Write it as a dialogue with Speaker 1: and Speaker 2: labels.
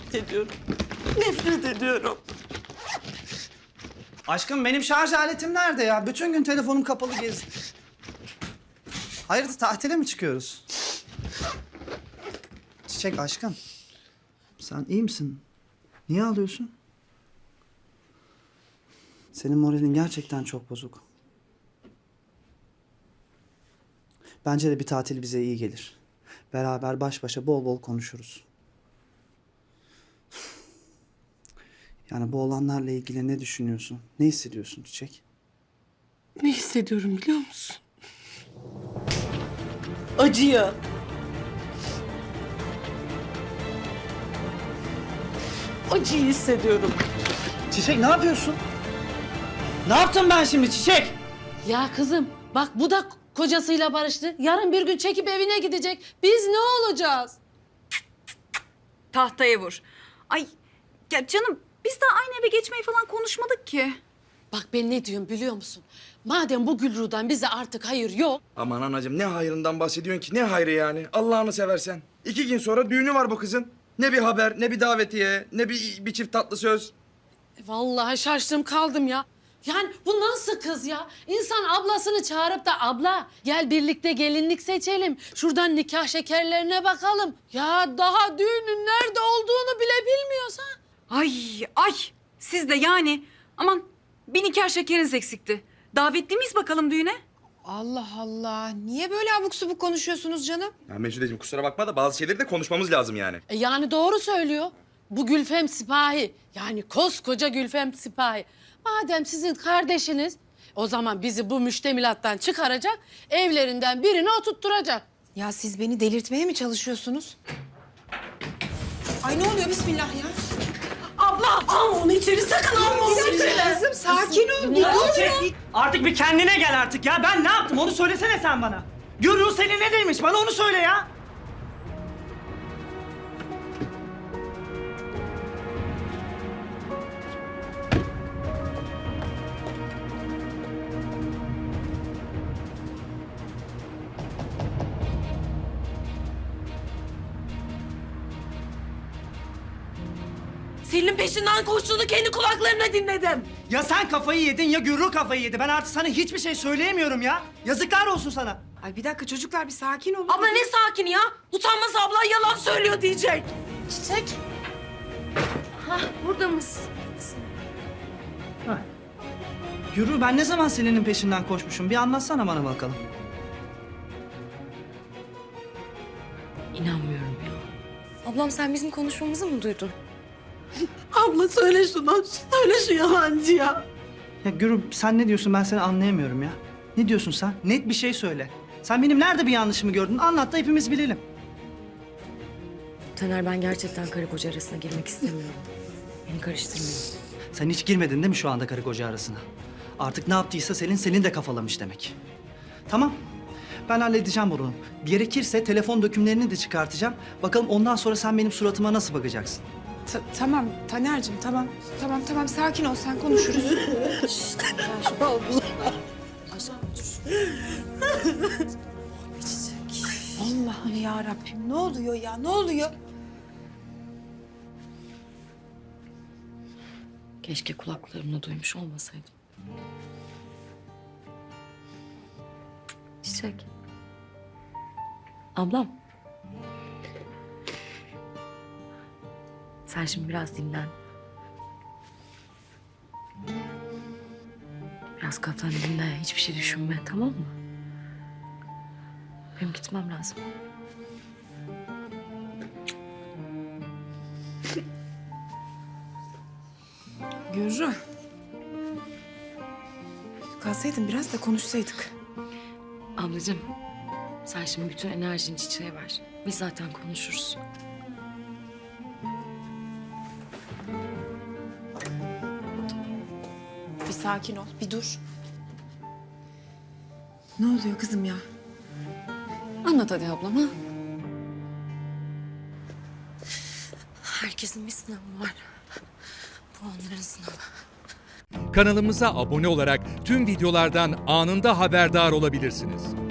Speaker 1: nefret ediyorum. Nefret ediyorum.
Speaker 2: Aşkım benim şarj aletim nerede ya? Bütün gün telefonum kapalı gezdi. Hayırdır tatile mi çıkıyoruz? Çiçek aşkım. Sen iyi misin? Niye ağlıyorsun? Senin moralin gerçekten çok bozuk. Bence de bir tatil bize iyi gelir. Beraber baş başa bol bol konuşuruz. Yani bu olanlarla ilgili ne düşünüyorsun? Ne hissediyorsun Çiçek?
Speaker 1: Ne hissediyorum biliyor musun? Acıyı. Acıyı hissediyorum.
Speaker 2: Çiçek ne yapıyorsun? Ne yaptım ben şimdi Çiçek?
Speaker 3: Ya kızım bak bu da kocasıyla barıştı. Yarın bir gün çekip evine gidecek. Biz ne olacağız?
Speaker 4: Tahtaya vur. Ay ya canım biz daha aynı eve geçmeyi falan konuşmadık ki.
Speaker 3: Bak ben ne diyorum biliyor musun? Madem bu Gülru'dan bize artık hayır yok.
Speaker 5: Aman anacığım ne hayrından bahsediyorsun ki? Ne hayrı yani? Allah'ını seversen. 2 gün sonra düğünü var bu kızın. Ne bir haber, ne bir davetiye, ne bir çift tatlı söz.
Speaker 3: Vallahi şaştım kaldım ya. Yani bu nasıl kız ya? İnsan ablasını çağırıp da abla gel birlikte gelinlik seçelim. Şuradan nikah şekerlerine bakalım. Ya daha düğünün nerede olduğunu bile bilmiyorsa.
Speaker 4: Ay siz de yani aman bir nikah şekeriniz eksikti. Davetli miyiz bakalım düğüne?
Speaker 6: Allah Allah. Niye böyle abuk subuk konuşuyorsunuz canım?
Speaker 5: Ya Mecnun'cığım kusura bakma da bazı şeyleri de konuşmamız lazım yani.
Speaker 3: Yani doğru söylüyor. Bu Gülfem Sipahi. Yani koskoca Gülfem Sipahi. Madem sizin kardeşiniz o zaman bizi bu müştemilattan çıkaracak, evlerinden birini oturtturacak.
Speaker 6: Ya siz beni delirtmeye mi çalışıyorsunuz? Ay ne oluyor bismillah ya?
Speaker 1: Abla al onu içeri sakın alma onu içeri.
Speaker 6: Kızım sakin ol. Bir dur.
Speaker 2: Artık bir kendine gel artık ya. Ben ne yaptım onu söylesene sen bana. Gürru seni ne demiş bana onu söyle ya.
Speaker 1: Selin'in peşinden koştuğunu kendi kulaklarımla dinledim.
Speaker 2: Ya sen kafayı yedin ya Gürru kafayı yedi. Ben artık sana hiçbir şey söyleyemiyorum ya. Yazıklar olsun sana.
Speaker 6: Ay bir dakika çocuklar bir sakin olun.
Speaker 1: Abla ne sakin ya? Utanmaz abla yalan söylüyor diyecek.
Speaker 3: Çiçek. Hah burada mısın?
Speaker 2: Gürru ben ne zaman Selin'in peşinden koşmuşum? Bir anlatsana bana bakalım.
Speaker 3: İnanmıyorum ya.
Speaker 7: Ablam sen bizim konuşmamızı mı duydun?
Speaker 1: Abla söyle şunu. Söyle şu yalancıya.
Speaker 2: Ya Gürru sen ne diyorsun ben seni anlayamıyorum ya. Ne diyorsun sen? Net bir şey söyle. Sen benim nerede bir yanlışımı gördün? Anlat da hepimiz bilelim.
Speaker 7: Taner ben gerçekten karı koca arasına girmek istemiyorum. Beni karıştırmayın.
Speaker 2: Sen hiç girmedin değil mi şu anda karı koca arasına? Artık ne yaptıysa Selin de kafalamış demek. Tamam. Ben halledeceğim bunu. Gerekirse telefon dökümlerini de çıkartacağım. Bakalım ondan sonra sen benim suratıma nasıl bakacaksın?
Speaker 6: Tamam Taner'cim tamam. Tamam sakin ol sen konuşuruz. Allah'ım ya Rabbim ne oluyor ya ne oluyor?
Speaker 7: Keşke kulaklarımla duymuş olmasaydım. Çiçek. Ablam. Sen şimdi biraz dinlen. Biraz kafanı dinle. Hiçbir şey düşünme, tamam mı? Benim gitmem lazım.
Speaker 6: Gürru. Kalsaydın biraz da konuşsaydık.
Speaker 7: Ablacığım, sen şimdi bütün enerjini Çiçek'e ver. Biz zaten konuşuruz.
Speaker 6: Bir sakin ol bir dur. Ne oluyor kızım ya?
Speaker 7: Anlat hadi ablama. Herkesin bir sınavı var. Bu onların sınavı.
Speaker 8: Kanalımıza abone olarak tüm videolardan anında haberdar olabilirsiniz.